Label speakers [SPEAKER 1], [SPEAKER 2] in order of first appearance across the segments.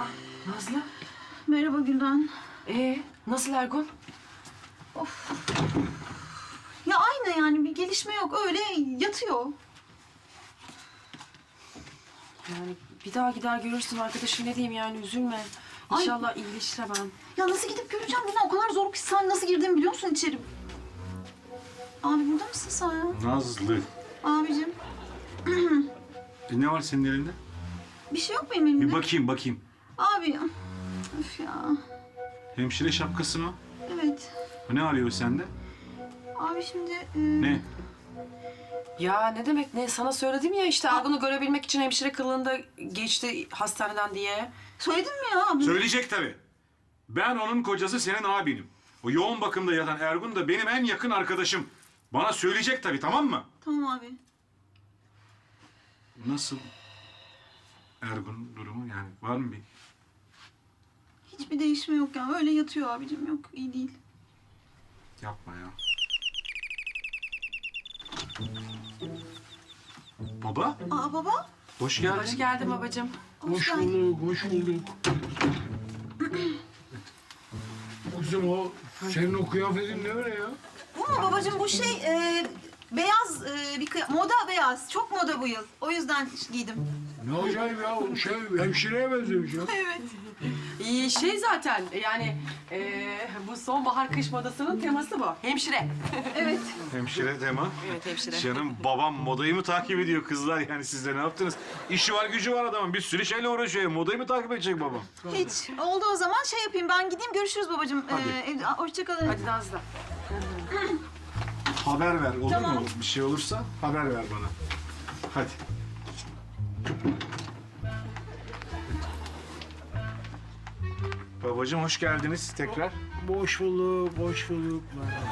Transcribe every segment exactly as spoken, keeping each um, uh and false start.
[SPEAKER 1] Nazlı.
[SPEAKER 2] Merhaba Gülden.
[SPEAKER 1] Ee, nasıl Ergun?
[SPEAKER 2] Of. Ya aynı yani bir gelişme yok. Öyle yatıyor.
[SPEAKER 1] Yani bir daha gider görürsün arkadaşım, ne diyeyim yani, üzülme.
[SPEAKER 2] Ay.
[SPEAKER 1] İnşallah iyileşir hemen.
[SPEAKER 2] Ya nasıl gidip göreceğim Gülden? O kadar zor ki sen nasıl girdiğimi biliyor musun içeri? Abi burada mısın sen ya?
[SPEAKER 3] Nazlı.
[SPEAKER 2] Abicim.
[SPEAKER 3] E ne var senin elinde?
[SPEAKER 2] Bir şey yok benim elimde.
[SPEAKER 3] Bir bakayım bakayım.
[SPEAKER 2] Abi. Üf ya.
[SPEAKER 3] Hemşire şapkası mı?
[SPEAKER 2] Evet.
[SPEAKER 3] Ne arıyor sende?
[SPEAKER 2] Abi şimdi... e,
[SPEAKER 3] Ne?
[SPEAKER 1] Ya ne demek ne? Sana söyledim ya işte Ergun'u görebilmek için hemşire kılığında geçti hastaneden diye.
[SPEAKER 2] Söyledin mi ya abi?
[SPEAKER 3] Söyleyecek tabii. Ben onun kocası, senin abinim. O yoğun bakımda yatan Ergun da benim en yakın arkadaşım. Bana söyleyecek tabii, tamam mı?
[SPEAKER 2] Tamam abi.
[SPEAKER 3] Nasıl Ergun durumu, yani var mı bir?
[SPEAKER 2] Hiçbir değişme yok ya. Öyle yatıyor abicim. Yok iyi değil.
[SPEAKER 3] Yapma ya. Baba,
[SPEAKER 2] Aa baba.
[SPEAKER 3] hoş geldin.
[SPEAKER 1] Hoş geldin babacığım.
[SPEAKER 2] Hoş,
[SPEAKER 4] Hoş bulduk, hoş bulduk. Kızım o senin o kıyafetin ne öyle ya?
[SPEAKER 2] Bu mu babacığım? Bu şey e, beyaz e, bir kıya- moda beyaz. Çok moda bu yıl. O yüzden giydim.
[SPEAKER 4] Ne acayip ya, o şey hemşireye benzemiş ya.
[SPEAKER 2] Evet.
[SPEAKER 1] İyi şey zaten yani eee, bu sonbahar kış modasının teması bu. Hemşire.
[SPEAKER 2] Evet.
[SPEAKER 3] Hemşire tema.
[SPEAKER 1] Evet hemşire.
[SPEAKER 3] Canım babam modayı mı takip ediyor kızlar, yani siz de ne yaptınız? İşi var gücü var adamın, bir sürü şeyle uğraşıyor. Modayı mı takip edecek babam?
[SPEAKER 2] Hiç. Oldu o zaman şey yapayım. Ben gideyim. Görüşürüz babacığım.
[SPEAKER 3] Hadi.
[SPEAKER 2] Ee, evde. Aa, hoşça kalın.
[SPEAKER 1] Hadi Nazlı.
[SPEAKER 3] Haber ver, olur
[SPEAKER 2] Tamam.
[SPEAKER 3] mu? Bir şey olursa haber ver bana. Hadi. Babacığım hoş geldiniz tekrar.
[SPEAKER 4] Boş bulduk, boş bulduk.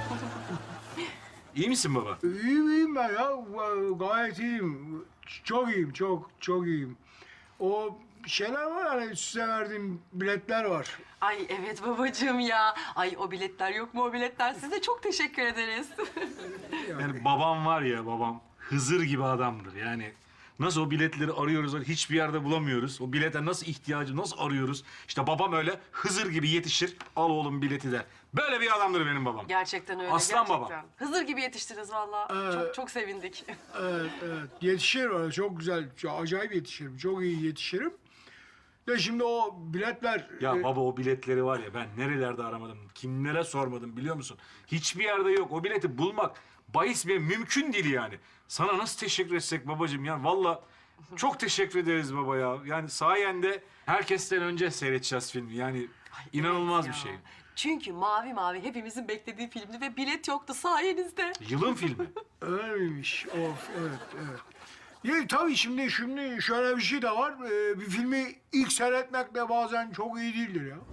[SPEAKER 3] İyi misin baba?
[SPEAKER 4] İyiyim, iyiyim ben ya. Gayet iyiyim. Çok iyiyim, çok, çok iyiyim. O şeyler var hani size verdiğim biletler var.
[SPEAKER 1] Ay evet babacığım ya. Ay o biletler yok mu o biletler? Size çok teşekkür ederiz.
[SPEAKER 3] Yani babam var ya, babam Hızır gibi adamdır yani. Nasıl o biletleri arıyoruz, hiçbir yerde bulamıyoruz. O bilete nasıl ihtiyacı, nasıl arıyoruz? İşte babam öyle Hızır gibi yetişir, al oğlum bileti der. Böyle bir adamdır benim babam.
[SPEAKER 1] Gerçekten öyle.
[SPEAKER 3] Aslan
[SPEAKER 1] gerçekten.
[SPEAKER 3] baba.
[SPEAKER 1] Hızır gibi yetiştiniz vallahi.
[SPEAKER 4] Ee,
[SPEAKER 1] Çok çok sevindik.
[SPEAKER 4] Evet, evet. Yetişir öyle, çok güzel, çok acayip yetişirim. Çok iyi yetişirim. De şimdi o biletler...
[SPEAKER 3] Ya
[SPEAKER 4] e,
[SPEAKER 3] baba o biletleri var ya, ben nerelerde aramadım, kimlere sormadım biliyor musun? Hiçbir yerde yok. O bileti bulmak bahis bir mümkün değil yani. Sana nasıl teşekkür etsek babacığım ya? Vallahi çok teşekkür ederiz baba ya. Yani sayende herkesten önce seyredeceğiz filmi. Yani inanılmaz
[SPEAKER 1] Evet
[SPEAKER 3] bir
[SPEAKER 1] ya.
[SPEAKER 3] şey.
[SPEAKER 1] Çünkü Mavi Mavi hepimizin beklediği filmdi ve bilet yoktu sayenizde.
[SPEAKER 3] Yılın filmi.
[SPEAKER 4] Öyleymiş. Of, evet, evet. Ya, tabii şimdi, şimdi şöyle bir şey de var. Ee, bir filmi ilk seyretmek de bazen çok iyi değildir ya.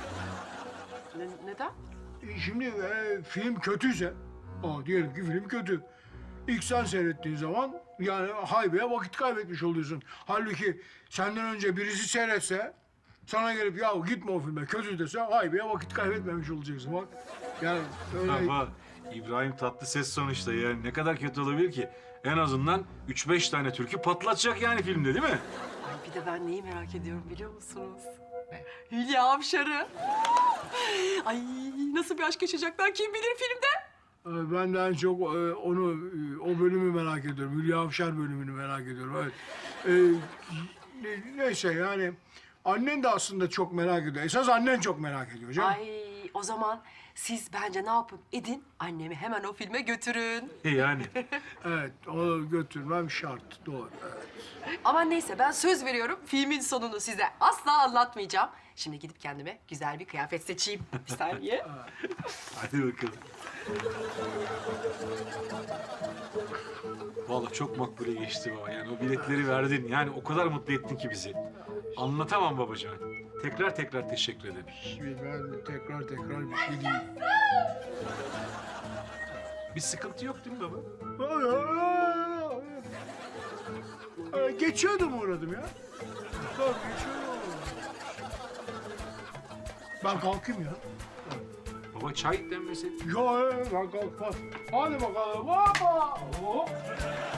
[SPEAKER 1] Ne- neden?
[SPEAKER 4] E, Şimdi e, film kötüyse, aa, diyelim ki film kötü. İlk sen seyrettiğin zaman yani haybeye vakit kaybetmiş oluyorsun. Halbuki senden önce birisi seyretse, sana gelip ya gitme o filme kötü dese haybeye vakit kaybetmemiş olacaksın bak. Yani öyle...
[SPEAKER 3] Baba İbrahim Tatlıses sonuçta, yani ne kadar kötü olabilir ki? En azından üç beş tane türkü patlatacak yani filmde, değil mi?
[SPEAKER 1] Ay bir de ben neyi merak ediyorum biliyor musunuz? Hülya Avşar'ı. Ay nasıl bir aşk yaşayacaklar kim bilir filmde?
[SPEAKER 4] Ee, Ben de en çok e, onu, e, o bölümü merak ediyorum. Hülya Avşar bölümünü merak ediyorum. Evet. Ee, ne- neyse yani annen de aslında çok merak ediyor. Esas annen çok merak ediyor canım.
[SPEAKER 1] Ay o zaman siz bence ne yapın edin annemi hemen o filme götürün.
[SPEAKER 3] Yani.
[SPEAKER 4] Evet, onu götürmem şart. Doğru. Evet.
[SPEAKER 1] Ama neyse ben söz veriyorum filmin sonunu size asla anlatmayacağım. Şimdi gidip kendime güzel bir kıyafet seçeyim. Bir saniye.
[SPEAKER 3] Hadi bakalım. Vallahi çok makbule geçti baba. Yani o biletleri verdin. Yani o kadar mutlu ettin ki bizi. Anlatamam babacığım. Tekrar tekrar teşekkür ederim.
[SPEAKER 4] Şimdi ben de tekrar tekrar bir şey diyeyim.
[SPEAKER 3] Bir sıkıntı yok değil mi baba?
[SPEAKER 4] Ay, ay, ay. Ee, Geçiyordum uğradım ya. Bak geçiyordum. Ben kalkayım ya.
[SPEAKER 3] Baba çay demleseydin.
[SPEAKER 4] Ya ben kalkmaz. Hadi bakalım. Hoppa. Hop.